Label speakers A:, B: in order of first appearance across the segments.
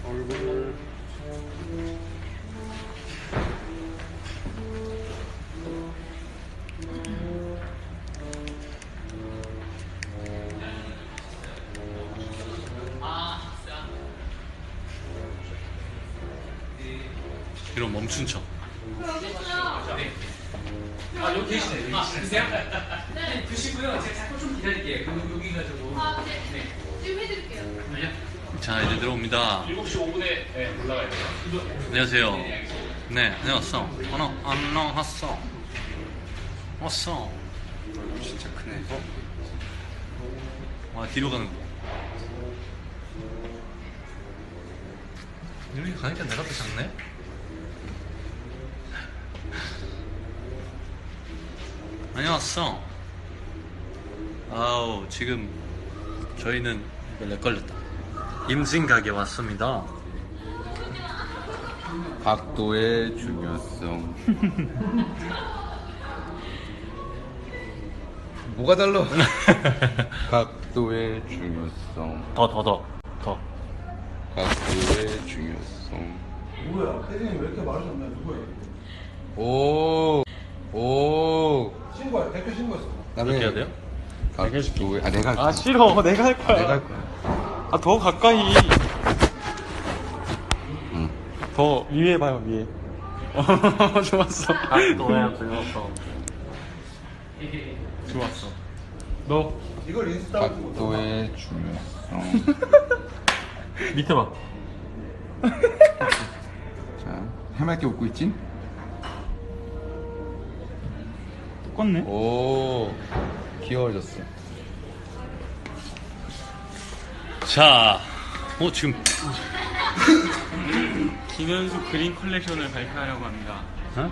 A: 얼굴. 이런 멈춘 척.
B: 아, 여기 계시네. 여기 계세요? 네. 드시고요. 제가 잠깐 좀 기다릴게요. 여기 가지고.
C: 아, 네.
B: 네.
C: 지금 해드릴게요.
A: 자, 이제 들어옵니다.
B: 7시 5분에 네, 올라가야 돼요.
A: 안녕하세요. 네, 안녕하세요. 안녕하세요. 왔어.
D: 진짜 크네.
A: 와, 뒤로 가는 거. 이렇게 가니까 내가 더 작네? 안녕하세요. 아우, 지금 저희는 렉 걸렸다. 임진각에 왔습니다.
D: 각도의 중요성. 뭐가 달라? 각도의 중요성.
A: 더.
D: 각도의 중요성.
E: 뭐야? 태진이 왜 이렇게 말하셨나? 누구야?
D: 오.
E: 신고해. 댓글 신고했어.
A: 어떻게 해야 돼요?
D: 각도의 내가 할게.
F: 아 싫어 내가 할 거야.
D: 내가 할 거야.
F: 아 더 가까이.
D: 응.
F: 더 위에 봐요 위에. 좋았어.
A: 너야 불렀어.
F: 좋았어. 너
E: 이걸 인스타로 찍고
D: 각도의 중요성.
F: 밑에 봐.
D: 자, 해맑게 웃고 있지?
F: 똑같네.
D: 오. 귀여워졌어.
A: 자, 지금
F: 김현수 그린 컬렉션을 발표하려고 합니다.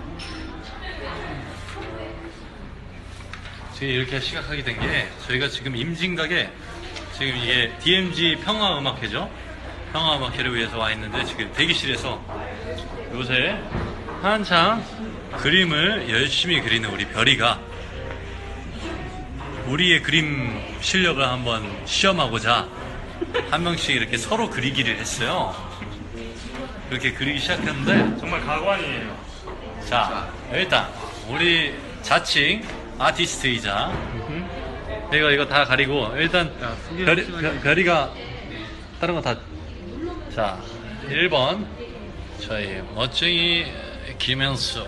A: 지금 이렇게 시작하게 된 게 저희가 지금 임진각에 지금 이게 DMG 평화음악회죠. 평화음악회를 위해서 와 있는데 지금 대기실에서 요새 한창 그림을 열심히 그리는 우리 별이가 우리의 그림 실력을 한번 시험하고자 한 명씩 이렇게 서로 그리기를 했어요. 그렇게 그리기 시작했는데
F: 정말 가관이에요.
A: 자, 일단 우리 자칭 아티스트이자 내가 이거 다 가리고 일단 별이가 다른 거 다. 자, 1번 저희 멋쟁이 김현수.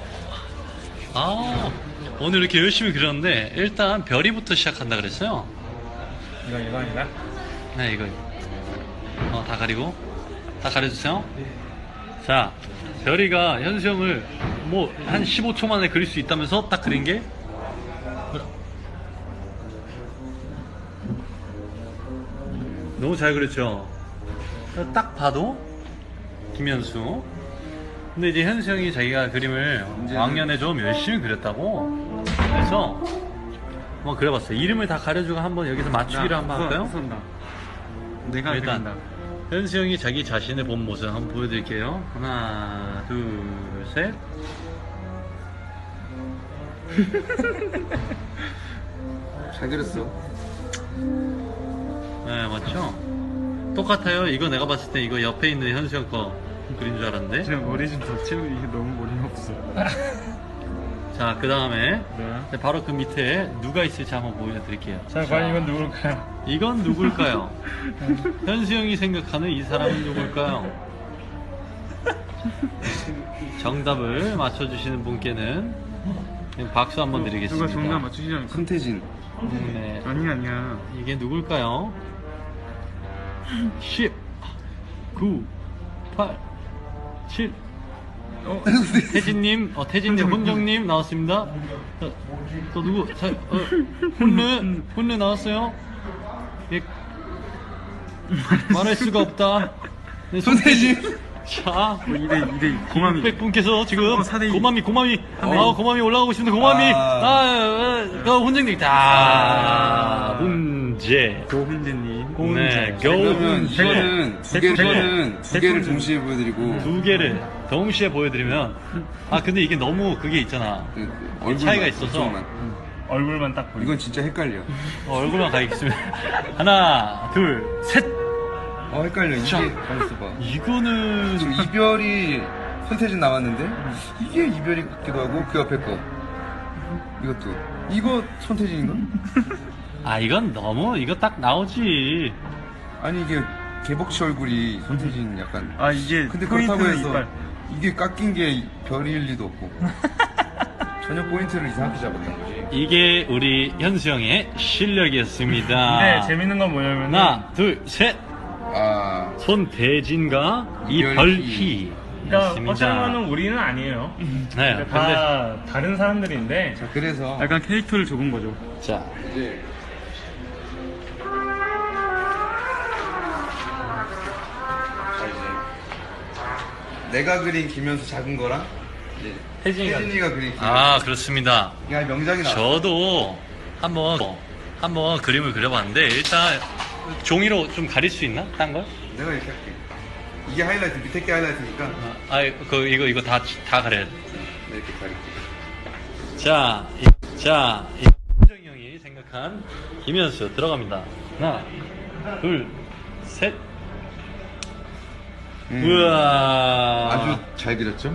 A: 오늘 이렇게 열심히 그렸는데 일단 별이부터 시작한다 그랬어요.
F: 이거 아닌가?
A: 네, 이거 다 가리고 다 가려주세요. 자, 별이가 현수 형을 뭐 한 15초 만에 그릴 수 있다면서 딱 그린 게 너무 잘 그렸죠. 딱 봐도 김현수. 근데 이제 현수 형이 자기가 그림을 왕년에 좀 열심히 그렸다고 그래서 한번 그려봤어요. 이름을 다 가려주고 한번 여기서 맞추기를 한번 할까요?
F: 쏜다. 내가
A: 일단
F: 그린다.
A: 현수 형이 자기 자신의 본 모습 한번 보여드릴게요. 하나, 둘, 셋.
D: 잘 그렸어.
A: 네, 맞죠? 똑같아요. 이거 내가 봤을 때 이거 옆에 있는 현수 형 거 그린 줄 알았는데.
F: 제가 머리 좀 더 채우고 이게 너무 머리가 없어.
A: 자, 그 다음에
F: 네.
A: 바로 그 밑에 누가 있을지 한번 보여드릴게요.
F: 자, 과연 이건 누굴까요?
A: 이건 누굴까요? 현수 형이 생각하는 이 사람은 누굴까요? 정답을 맞춰주시는 분께는 박수 한번 드리겠습니다.
F: 누가 정답 맞추시지 않을까?
D: 손태진.
A: 네.
F: 아니야.
A: 이게 누굴까요? 10, 9, 8, 7. 태진님, 태진님, 혼정님 나왔습니다. 또 누구? 자, 혼르 나왔어요. 예. 말할 수가 없다. 네,
D: 손태진.
A: 자,
F: 2대 고맘이.
A: 600분께서 지금
F: 4대2.
A: 고맘이 고맘이 올라가고 싶은데 고맘이 그 혼정님 다 문제.
F: 고훈재님.
A: 네,
D: 그러면
A: 겨우
D: 이거는 두 개를 동시에 보여드리고
A: 두 개를 동시에 보여드리면 근데 이게 너무 그게 있잖아.
D: 얼굴만,
A: 차이가 있어서.
D: 이쪽만.
F: 얼굴만 딱 보여.
D: 이건 진짜 헷갈려.
A: 얼굴만 가리겠습니다. 하나, 둘, 셋.
D: 헷갈려. 이게
A: 자.
D: 가만있어 봐.
A: 이거는
D: 지금 이별이 손태진 나왔는데 이게 이별이 같기도 하고 그 옆에 거 이것도 이거 손태진인가?
A: 아 이건 너무 이거 딱 나오지.
D: 아니 이게 개복치 얼굴이 손태진 약간
F: 아 이게
D: 근데 그렇다고
F: 포인트는
D: 해서
F: 이빨.
D: 이게 깎인 게 별일 리도 없고 전혀 포인트를 이상하게 잡았던 거지.
A: 이게 우리 현수 형의 실력이었습니다.
F: 네 재밌는 건 뭐냐면
A: 하나, 둘, 셋.
D: 아
A: 손대진과
D: 이별희.
F: 그러니까
A: 이별희였습니다.
F: 어쩌면은 우리는 아니에요.
A: 네, 근데
F: 다 다른 사람들인데
D: 자 그래서
F: 약간 캐릭터를 적은 거죠.
A: 자,
D: 이제 자 이제 내가 그린 김현수 작은 거랑 이제 혜진이가 그린 김현수
A: 아 그렇습니다.
D: 야 명작이 나왔어.
A: 저도 한번 그림을 그려봤는데 일단 종이로 좀 가릴 수 있나? 딴 걸?
D: 내가 이렇게 할게. 이게 하이라이트 밑에 게 하이라이트니까
A: 이거 다 가려야 돼.
D: 네, 이렇게 가릴게.
A: 자, 현정이 형이 생각한 김현수 들어갑니다. 하나, 둘, 셋. 우와.
D: 아주 잘 그렸죠?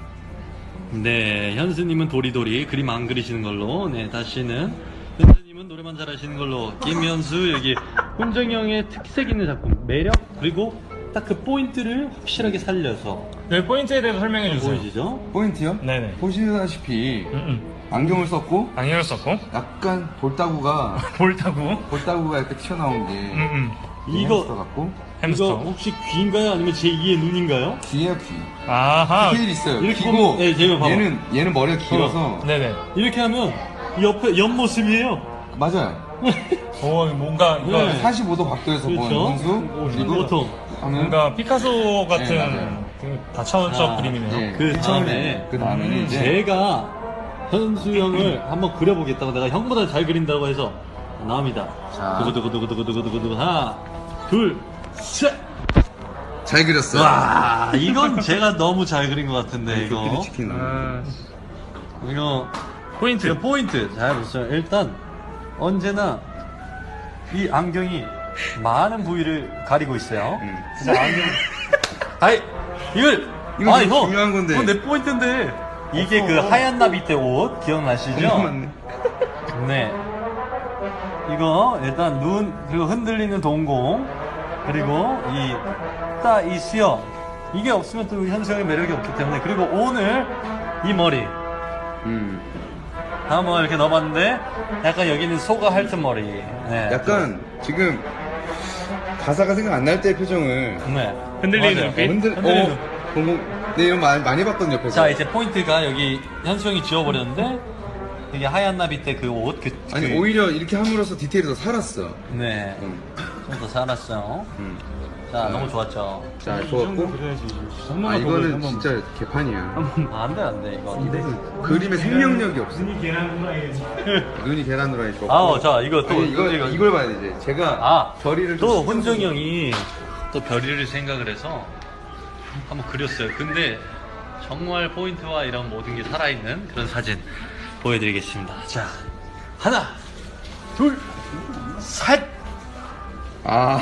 A: 네, 현수님은 도리도리 그림 안 그리시는 걸로. 네, 다시는 현수님은 노래만 잘하시는 걸로. 김현수 여기 훈정이 형의 특색 있는 작품 매력 그리고 딱 그 포인트를 확실하게 살려서
F: 네 포인트에 대해서 설명해 주세요.
A: 보이시죠?
D: 포인트요?
F: 네네.
D: 보시다시피 안경을 썼고
F: 안경을 썼고
D: 약간 볼따구가
F: 볼타고.
D: 이렇게 튀어나온 게
A: 이거
D: 햄스터 같고
F: 햄스터.
A: 이거 혹시 귀인가요? 아니면 제2의 눈인가요?
D: 귀에요 귀.
F: 아하.
D: 디테일 있어요.
A: 이렇게
D: 귀고
A: 보면- 네, 제가 봐봐.
D: 얘는 머리가 길어서
F: 네네.
A: 이렇게 하면 옆에 옆모습이에요.
D: 맞아요.
F: 오 뭔가 이거
A: 네.
D: 45도 각도에서 본
A: 그렇죠.
D: 현수 그리고
A: 보통
D: 하면
F: 뭔가 피카소
D: 네,
F: 같은
D: 맞아요.
F: 그 다차원적
A: 아,
F: 그림이네요.
D: 예,
A: 그 다음에
D: 그 다음에는 이제
A: 제가 현수 형을 한번 그려보겠다고 내가 형보다 잘 그린다고 해서 나옵니다.
D: 자.
A: 두구두구두구두구두구두구 하나 둘셋
D: 잘 그렸어요.
A: 와 이건 제가 너무 잘 그린 것 같은데 이거
D: 도끼리 치킨 나오네.
F: 아,
A: 이거
F: 포인트.
A: 그 포인트 잘 보세요. 일단 언제나 이 안경이 많은 부위를 가리고 있어요. 진짜 안경. 아이 이걸
D: 이거
A: 아니, 형,
D: 중요한 건데.
A: 그건 내 포인트인데 이게 그 하얀 나비때 옷 기억나시죠?
D: 맞네.
A: 네. 이거 일단 눈 그리고 흔들리는 동공 그리고 이 수염 이게 없으면 또 현수 형의 매력이 없기 때문에 그리고 오늘 이 머리 한번 이렇게 넣어봤는데 약간 여기는 소가 핥은 머리. 네.
D: 약간 지금 가사가 생각 안 날 때 표정을
A: 네.
F: 흔들리는
A: 맞아요.
F: 눈빛?
A: 흔들리는
D: 네 이런 많이 봤던 옆에서.
A: 자 이제 포인트가 여기 현수 형이 지워버렸는데 이게 하얀 나비 때 그 옷
D: 아니 오히려 이렇게 함으로써 디테일이 더 살았어.
A: 네.
D: 음.
A: 좀 더 살았어요. 자 너무 좋았죠.
D: 자 좋았고. 아 이거는 진짜 개판이야.
A: 아, 안돼 이거.
D: 그림에 생명력이 없어.
F: 눈이 계란 후라이겠지.
D: 눈이 계란 후라이 좋고.
A: 아우 자 이거 또
D: 아니, 이걸 봐야 돼 이제. 제가
A: 아
D: 별이를
A: 또
D: 좀
A: 혼정이 형이 또 별이를 생각을 해서 한번 그렸어요. 근데 정말 포인트와 이런 모든 게 살아있는 그런 사진 보여드리겠습니다. 자 하나 둘 셋.
D: 아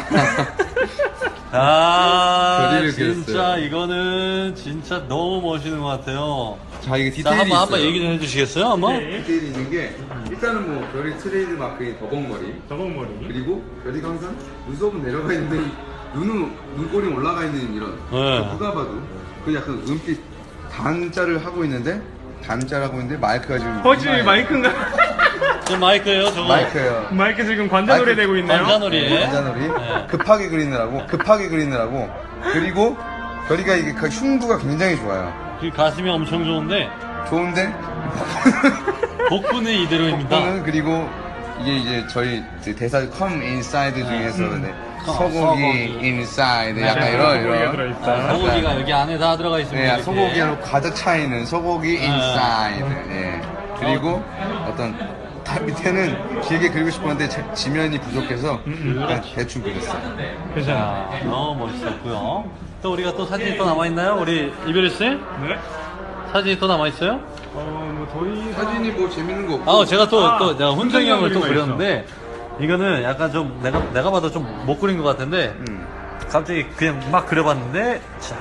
A: 아
D: 별이를
A: 진짜
D: 그렸어요.
A: 이거는 진짜 너무 멋있는 것 같아요.
D: 자 이게
A: 자
D: 디테일이
A: 한번
D: 있어요.
A: 얘기 좀 해주시겠어요? 한번?
F: 네.
D: 디테일이 있는 게 일단은 뭐 별이 트레이드 마크인 더벅머리
F: 저벅머리.
D: 그리고 별이가 항상 눈썹은 내려가 있는데 눈꼬리 올라가 있는 이런
A: 네.
D: 누가 봐도 그 약간 은빛 단자를 하고 있는데 마이크가 지금
F: 허지 마이크인가?
A: 저 마이크예요 저거.
D: 마이크예요.
F: 마이크 지금 관자놀이
D: 마이크
F: 되고 있네요.
A: 관자놀이.
D: 관자놀이
A: 네.
D: 급하게 그리느라고 그리고 별이가 이게 그 흉부가 굉장히 좋아요.
A: 그 가슴이 엄청 좋은데
D: 좋은데
A: 복부는 이대로입니다.
D: 복부는 그리고 이게 이제 저희 그 대사 come inside 중에서 네. 소고기
A: 소고기.
D: inside 약간
F: 네,
D: 이런
F: 소고기가 들어있다.
D: 약간
A: 소고기가 여기 안에 다 들어가 있습니다.
D: 네,
A: 이렇게.
D: 소고기로 가득 차 있는 소고기 inside. 예. 그리고 어떤 다 밑에는 길게 그리고 싶었는데 지면이 부족해서 그냥 대충 그렸어요.
F: 괜찮아.
A: 자, 너무 멋있었고요. 또 우리가 또 사진이 또 남아 있나요? 우리 이별희 씨?
F: 네?
A: 사진이 또 남아 있어요?
F: 뭐 더 이상.
D: 사진이 뭐 재밌는 거 없고
A: 아, 제가 또 내가 훈정이 형을 또
F: 훈정이
A: 그렸는데 이거는 약간 좀 내가 봐도 좀 못 그린 것 같은데 갑자기 그냥 막 그려봤는데 자,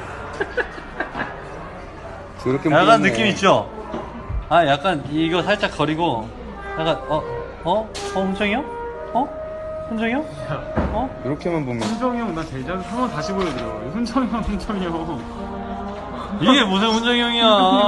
D: 그렇게
A: 약간
D: 보이네.
A: 느낌 있죠? 아 약간 이거 살짝 거리고 약간 훈정이 형? 훈정이 형?
D: 이렇게만 보면
F: 훈정이 형, 나 대장 한번 다시 보여드려. 훈정이 형, 훈정이 형.
A: 이게 무슨 훈정이 형이야?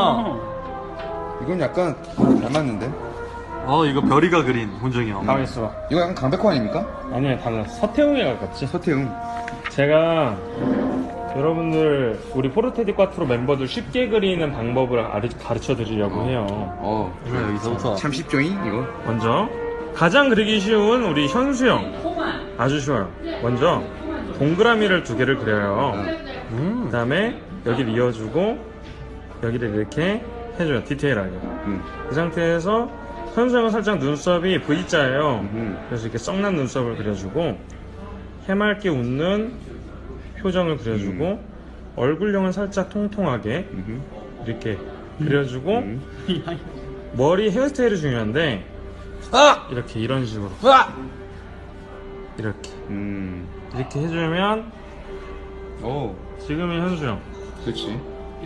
D: 이건 약간 닮았는데?
A: 이거 별이가 그린 훈정이 형.
F: 가만 있어봐.
D: 이거 약간 강백호 아닙니까?
F: 아니야, 달라. 서태웅이랑 같지?
D: 서태웅.
F: 제가 여러분들 우리 포르테디 꽈트로 멤버들 쉽게 그리는 방법을 가르쳐 드리려고 해요.
A: 이거 여기서부터
D: 참 쉽죠잉 이거?
F: 먼저 가장 그리기 쉬운 우리 현수 형. 아주 쉬워요. 먼저 동그라미를 2개를 그려요. 그 다음에 여기를 이어주고 여기를 이렇게 해줘요. 디테일하게. 이 상태에서 현수 형은 살짝 눈썹이 V자예요. 그래서 이렇게 썩난 눈썹을 그려주고 해맑게 웃는 표정을 그려주고 얼굴형은 살짝 통통하게 이렇게 그려주고 머리 헤어스타일이 중요한데 이렇게 이런 식으로 이렇게 이렇게 해주면
D: 오,
F: 지금의 현수 형.
D: 그렇지.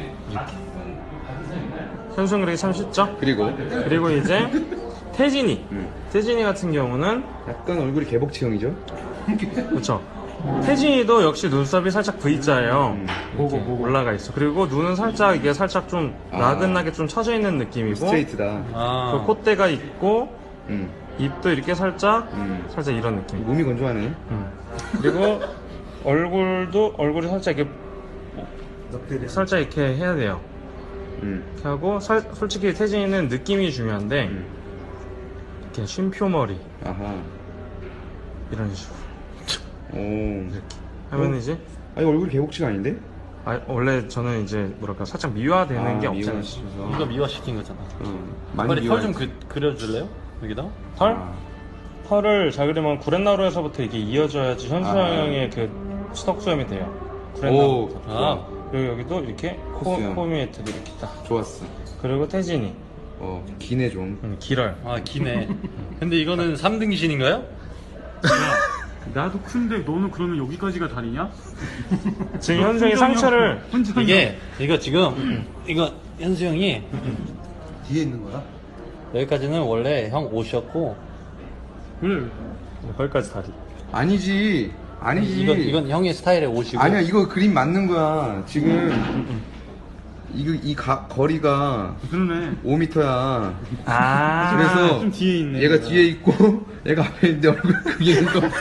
F: 현수 형 그리기 참 쉽죠? 그리고 이제 태진이 태진이 같은 경우는
D: 약간 얼굴이 개복체형이죠?
F: 그쵸. 태진이도 역시 눈썹이 살짝 V자예요. 보고 올라가 있어. 그리고 눈은 살짝 이게 살짝 좀 나긋나게 좀 처져 있는 느낌이고
D: 스트레이트다.
F: 그 콧대가 있고
D: 음.
F: 입도 이렇게 살짝 살짝 이런 느낌.
D: 몸이 건조하네.
F: 그리고 얼굴이 살짝 이렇게 살짝 이렇게 해야 돼요. 이렇게 하고 솔직히 태진이는 느낌이 중요한데 이렇게 쉼표머리
D: 아하.
F: 이런 식으로
D: 오.
F: 이렇게 하면 이제
D: 아니 얼굴 개복치가 아닌데?
F: 원래 저는 이제 뭐랄까 살짝 미화되는 게 없잖아요.
D: 미화시켜서.
A: 이거 미화시킨 거잖아.
D: 많이
A: 빨리 털 좀
D: 미화했지.
A: 그려줄래요? 여기다?
F: 털? 털을 잘 그리면 구렛나루에서부터 이게 이어져야지 현수 형의 그 수덕수염이 돼요.
D: 오,
F: 구렛나루. 그리고 여기도 이렇게
D: 코수염.
F: 코미에트도 이렇게 딱.
D: 좋았어.
F: 그리고 태진이
D: 기네 좀.
F: 길어요.
A: 기네. 근데 이거는 3등신인가요?
F: 나도 큰데 너는 그러면 여기까지가 다리냐? 지금 현수 형이 상처를
A: 이거 지금 이거 현수 형이
E: 뒤에 있는 거야?
A: 여기까지는 원래 형 옷이었고
F: 그래 거기까지 다리.
D: 아니지.
A: 이건 형의 스타일의 옷이고
D: 아니야, 이거 그림 맞는 거야. 지금 거리가
F: 그러네.
D: 5m야.
F: 그래서
D: 그래서
F: 뒤에 있네.
D: 얘가 뒤에 있고 얘가 앞에 있는데 얼굴 크게 있는 거.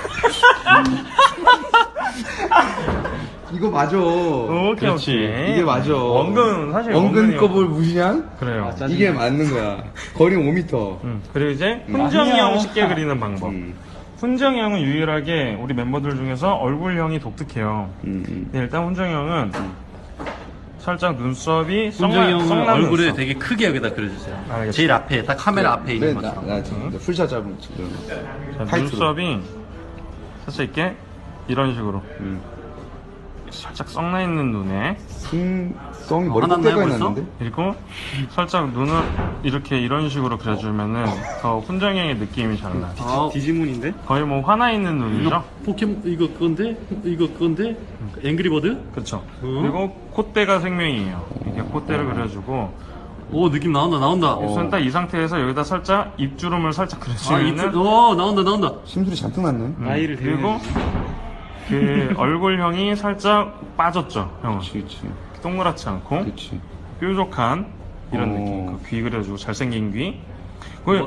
D: 이거 맞아.
F: 오케이.
A: 그렇지.
D: 이게 맞아.
F: 원근 사실
D: 원근 컵을 무시냐?
F: 그래요.
D: 이게 맞는 거야. 거리는 5m.
F: 그리고 이제 훈정이 형 쉽게 그리는 방법. 훈정이 형은 유일하게 우리 멤버들 중에서 얼굴형이 독특해요. 근데 일단 훈정이 형은 살짝 눈썹이
A: 훈정이 형은
F: 썩난
A: 얼굴을
F: 눈썹.
A: 되게 크게 여기다 그려주세요.
F: 알겠습니다.
A: 제일 앞에 딱 카메라 앞에 있는 것처럼.
D: 나 지금 풀샷 잡은 지금.
F: 자,
D: 타이트로.
F: 눈썹이 살짝 이렇게 이런 식으로 살짝 썩나 있는 눈에
D: 썽이 머리
A: 화났나요,
D: 꼽대가
A: 벌써?
D: 있는데?
F: 그리고 살짝 눈을 이렇게 이런 식으로 그려주면은 더 훈정이 형의 느낌이 잘 나.
A: 디지몬인데?
F: 거의 뭐 화나 있는 눈이죠?
A: 포켓몬 이거 그건데? 앵그리버드?
F: 그렇죠. 그리고 콧대가 생명이에요. 이렇게 콧대를 그려주고
A: 오 느낌 나온다.
F: 우선 딱 이 상태에서 여기다 살짝 입주름을 살짝 그려주면은
A: 나온다.
D: 심술이 잔뜩 났네.
A: 아이를
F: 그리고 그 얼굴형이 살짝 빠졌죠, 형은.
D: 그치.
F: 동그랗지 않고
D: 그치.
F: 뾰족한 이런
D: 오.
F: 느낌. 그 귀 그려주고 잘생긴 귀. 그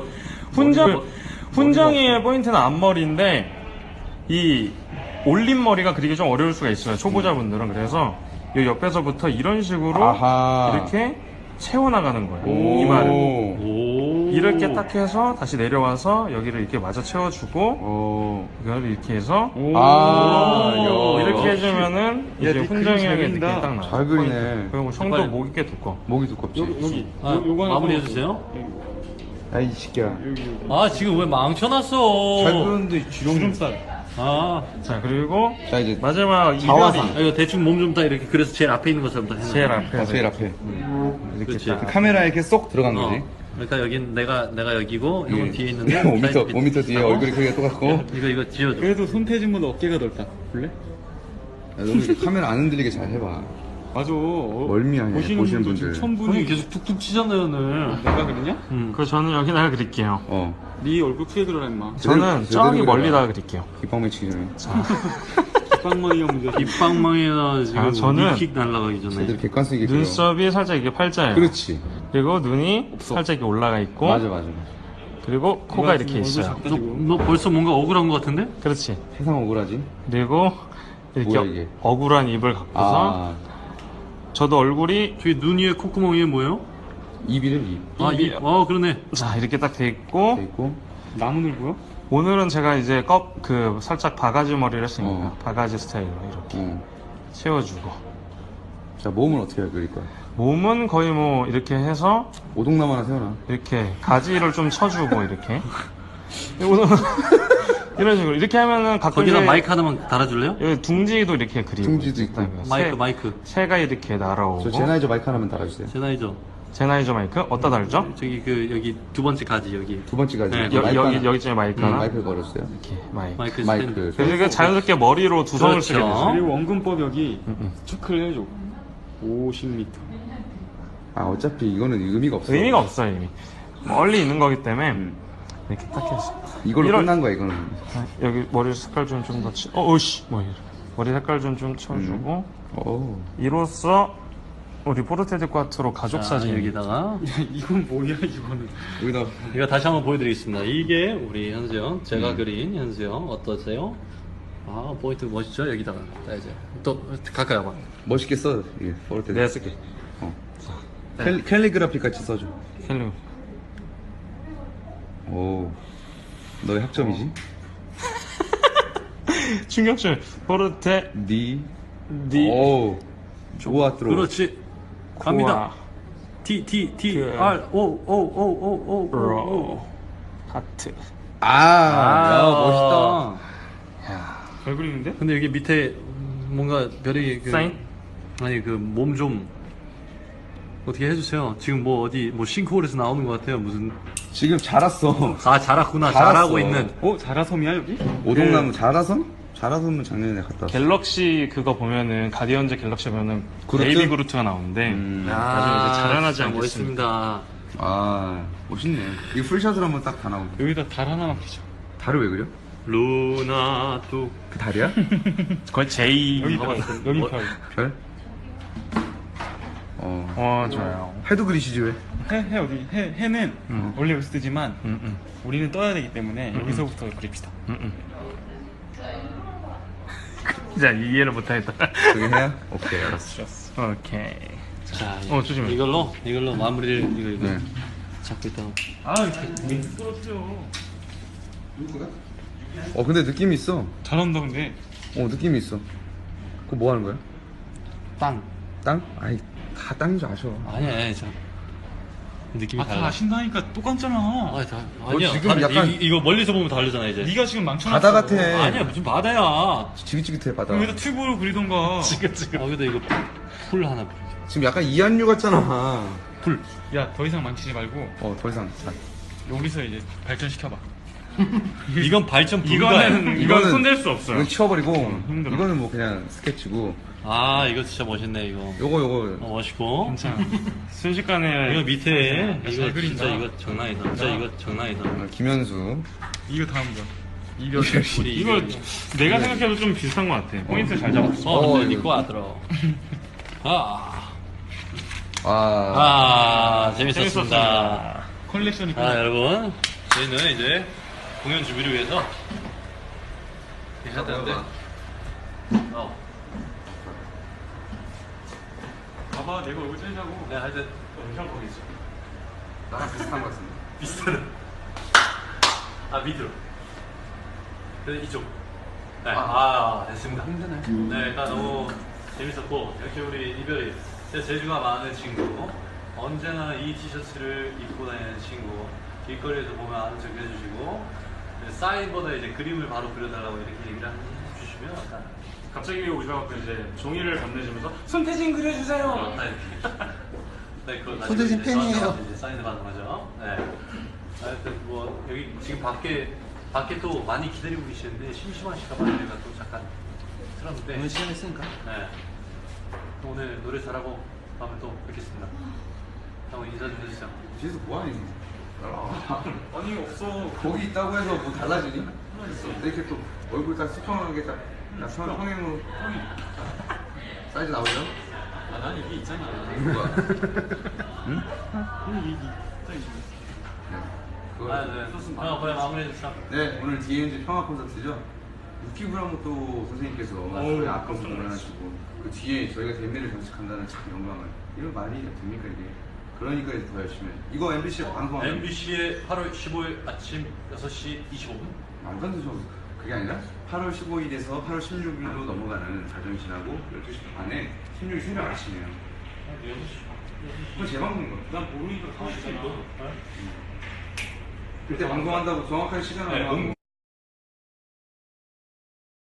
F: 훈정이의 포인트는 앞머리인데 이 올린 머리가 그리기 좀 어려울 수가 있어요, 초보자분들은. 그래서 이 옆에서부터 이런 식으로
D: 아하.
F: 이렇게 채워나가는 거예요,
D: 오.
F: 이마를.
A: 오
F: 이렇게 딱 해서 다시 내려와서 여기를 이렇게 마저 채워주고 이걸 이렇게 해서 이렇게 해주면은 이제 훈정이 형의 느낌이 딱 나요.
D: 잘 그리네.
F: 그리고 형도
A: 빨리.
F: 목이 꽤 두꺼워.
D: 목이 두껍지.
A: 마무리해주세요.
D: 야이 새끼야.
A: 지금 왜 망쳐놨어?
D: 잘 그렸는데 주름살.
F: 자, 그리고
D: 자 이제
F: 마지막
D: 자화상.
F: 이별이
A: 이거 대충 몸 좀 딱 이렇게 그래서 제일 앞에 있는 것처럼 딱 해놔.
F: 제일 앞에
D: 제일 앞에.
F: 이렇게
A: 그렇지.
F: 딱.
D: 카메라에 이렇게 쏙 들어간 거지.
A: 그러니까 여긴 내가 여기고 형은 뒤에 있는데
D: 5m 뒤에 얼굴이 크기가 똑같고.
A: 이거 지워줘.
E: 그래도 손태진보다 어깨가 넓다. 볼래?
D: 너무 이렇게 카메라 안 흔들리게 잘 해봐.
F: 맞아.
D: 멀미하네, 보시는 분들.
A: 손이 계속 툭툭 치잖아요 오늘.
F: 내가 그랬냐? 그 저는 여기다가 그릴게요. 네 얼굴 크게 그려라 임마. 저는
D: 제대로
F: 저기
D: 그려라.
F: 멀리다가 그릴게요.
D: 깃방망이 치기 전에.
F: 빵망이가 문제.
A: 입방망이나 지금
F: 저는
A: 킥 날라가기 전에.
D: 제대로 객관성 있게 그려.
F: 눈썹이 살짝 이게 팔자예요.
D: 그렇지.
F: 그리고 눈이 살짝 이렇게 올라가 있고.
D: 맞아.
F: 그리고 코가 이렇게 있어요.
A: 너 벌써 뭔가 억울한 것 같은데?
F: 그렇지.
D: 세상 억울하지?
F: 그리고 이렇게
D: 뭐야, 이게?
F: 억울한 입을 갖고서 저도 얼굴이
A: 저기 눈 위에 콧구멍 위에 뭐예요?
D: 입이래, 입.
A: 아, 그러네.
F: 자 이렇게 딱 돼 있고
D: 돼 있고.
F: 나무늘 보여? 오늘은 제가 이제 살짝 바가지 머리를 했으니까 바가지 스타일로 이렇게 채워주고
D: 자, 몸은 어떻게 그릴 거야?
F: 몸은 거의 뭐 이렇게 해서
D: 오동남 하나 세워놔.
F: 이렇게 가지를 좀 쳐주고 이렇게 이런 식으로 이렇게 하면은 가끔
A: 거기다
F: 이제
A: 마이크 하나만 달아줄래요?
F: 여기 둥지도 이렇게 그리고
D: 둥지도 있고.
A: 마이크.
F: 새가 이렇게 날아오고
D: 저 제나이저 마이크 하나만 달아주세요.
A: 제나이죠.
F: 제나이저 마이크 어디다 달죠?
A: 저기 여기 두 번째 가지 여기.
D: 두 번째 가지.
A: 네,
F: 여기쯤에 마이크 하나
D: 마이크를 걸었어요.
F: 이렇게 마이크
A: 마이크.
D: 마이크.
F: 그리고 자연스럽게 머리로 두성을
A: 그렇죠.
F: 쓰게 되죠.
B: 그리고 원근법 여기 체크를 해줘. 50m.
D: 어차피 이거는 의미가 없어.
F: 의미가 없어요 이미 멀리 있는 거기 때문에 이렇게 딱 해서
D: 이걸로
F: 이런-
D: 끝난 거야, 이거는.
F: 여기 머리 색깔 좀 더 어우씨 뭐 이래 머리 색깔 좀 쳐주고
D: 오.
F: 이로써 우리 포르테드 꽈트로 가족
A: 자,
F: 사진
A: 여기다가
B: 이건 뭐야 이거는.
D: 여기다.
A: 이거 다시 한번 보여드리겠습니다. 이게 우리 현수형, 제가 그린 현수형 어떠세요? 아 포인트 멋있죠? 여기다가 자 이제 또 가까이 와봐.
D: 멋있게 써. 이게 포르테.
F: 내가 쓸게
D: 캘리그라피 같이 써줘.
F: 헬로
D: 오. 너의 학점이지?
F: 충격줄 포르테
D: 니.
F: 디
D: 오. 좋아, 들어.
A: 그렇지. 갑니다. T
F: 그-
A: R O
F: 로 하트
D: 야, 멋있다.
F: 잘 그리는데?
A: 근데 여기 밑에 뭔가 별이
F: 사인?
A: 아니 그 몸 좀 어떻게 해주세요. 지금 뭐 어디 뭐 싱크홀에서 나오는 것 같아요. 무슨
D: 지금 자랐어.
A: 아 잘했구나.
D: 잘했어.
A: 잘하고 있는.
B: 자라섬이야 여기?
D: 오동나무 자라섬? 자라섬은 작년에 갔다 왔어.
F: 갤럭시 그거 보면은 가디언즈 갤럭시 보면은
D: 그루트?
F: 베이비 그루트가 나오는데 나중에 이제 자라나지
A: 진짜
F: 않겠습니다.
A: 멋있습니다.
D: 멋있네. 이거 풀샷으로 한번 딱 다 나오네.
B: 여기다 달 하나만 그려.
D: 달을 왜 그려?
A: 루나 또
D: 그 달이야?
F: 거의 J
B: 여기
A: 봐봐.
B: 여기
A: 뭐-
B: 별.
D: 별?
F: 좋아요.
D: 해도 그리시지 왜?
B: 해 어디? 해는 원래 여기서 뜨지만
F: 음.
B: 우리는 떠야 되기 때문에 여기서부터 그립시다.
F: 자 이해를 못하겠다.
D: 그게 해야? 오케이, 알았어.
F: 오케이.
A: 자,
F: 조심해.
A: 이걸로 마무리를 이거
D: 네.
A: 잡고 있다가
D: 근데 느낌이 있어.
B: 잘한다 근데.
D: 느낌이 있어. 그거 뭐 하는 거야?
A: 땅.
D: 땅? 아이, 다 땅인 줄 아셔.
A: 아니야, 자 느낌이
B: 다
A: 달라.
B: 아신다니까 똑같잖아.
A: 아니야.
D: 지금
A: 다르-
D: 약간-
A: 이거 멀리서 보면 다르잖아 이제.
B: 네가 지금 망쳐놨어.
D: 바다 같아.
A: 아니야 무슨 바다야.
D: 지긋지긋해, 바다.
B: 여기다 튜브로 그리던가.
A: 여기다 이거 풀 하나 뿌려.
D: 지금 약간 이한류 같잖아.
B: 야 더 이상 망치지 말고
D: 더 이상. 자.
B: 여기서 이제 발전시켜봐.
A: 이건 발전 불가야.
F: 이건 손댈 수 없어요.
D: 이건 치워버리고,
B: 힘들어.
D: 이거는 뭐 그냥 스케치고,
A: 아 이거 진짜 멋있네 이거.
D: 요거.
A: 멋있고.
F: 괜찮아. 순식간에
A: 이거 밑에 이거
B: 잘 그린다.
A: 진짜 이거 장난이다. 진짜 이거 장난이다.
D: 김현수.
B: 이거 다음 거. 이별.
A: 우리
F: 이거 내가 생각해도 좀 비슷한 것 같아. 포인트 잘 잡았어.
A: 근데
D: 이거-
A: 니꺼 왔더라. 재밌었습니다.
B: 컬렉션이
A: 여러분 저희는 이제 공연 준비를 위해서 해야 되는데.
B: 봐봐 내가 얼굴 째자고.
A: 네, 하여튼
F: 형 거기 있어.
D: 나랑 비슷한 것 같습니다.
A: 비슷하다. 밑으로. 그래 이쪽. 네. 됐습니다. 네, 일단 너무 재밌었고 역시 우리 이별이 제 재주가 많은 친구. 언제나 이 티셔츠를 입고 다니는 친구. 길거리에서 보면 아는 척 해주시고 사인보다 이제 그림을 바로 그려달라고 이렇게 얘기를 해주시면 약간
F: 갑자기 우리가 이제 종이를 건네주면서 손태진 그려주세요.
A: 네, 그거
D: 손대신
A: 이제
D: 팬이에요.
A: 저한테 이제 사인을 받는 거죠. 네. 하여튼 뭐 여기 지금 밖에 또 많이 기다리고 계시는데 심심하실까봐 저희가 또 잠깐 틀었는데.
E: 오늘 시간 했으니까.
A: 네. 또 오늘 노래 잘하고 다음에 또 뵙겠습니다. 형 인사 좀 해주세요.
D: 뒤에서 뭐하니?
F: 아니 없어.
D: 거기 있다고 해서 뭐 달라지니? 이렇게 또 얼굴 딱 수평하게 딱 평행으로 사이즈 나오죠?
F: 아, 난 이게 있잖아.
D: 뭐야?
A: 아, 네. 형 그냥 마무리해 주시죠.
D: 네, 오늘 DNG 평화 콘서트죠. 유키 브라모토 선생님께서 저희 아까 공연을 하시고 그 뒤에 저희가 댐미를 장식한다는 참 영광을 이런 말이 됩니까 이게? 그러니까 이제 더 열심히 해요. 이거 MBC 방송하면
A: MBC에 8월 15일 아침 6시 25분.
D: 말도 안 되죠. 그게 아니라 8월 15일에서 8월 16일로 넘어가는 자정신하고 12시 반에 16일 새벽 아침이에요. 그건 제 방송인 거예요.
F: 난 모르니까 가만히 있잖아.
D: 그때 방송한다고 정확한 시간을
A: 네,
D: 안 하고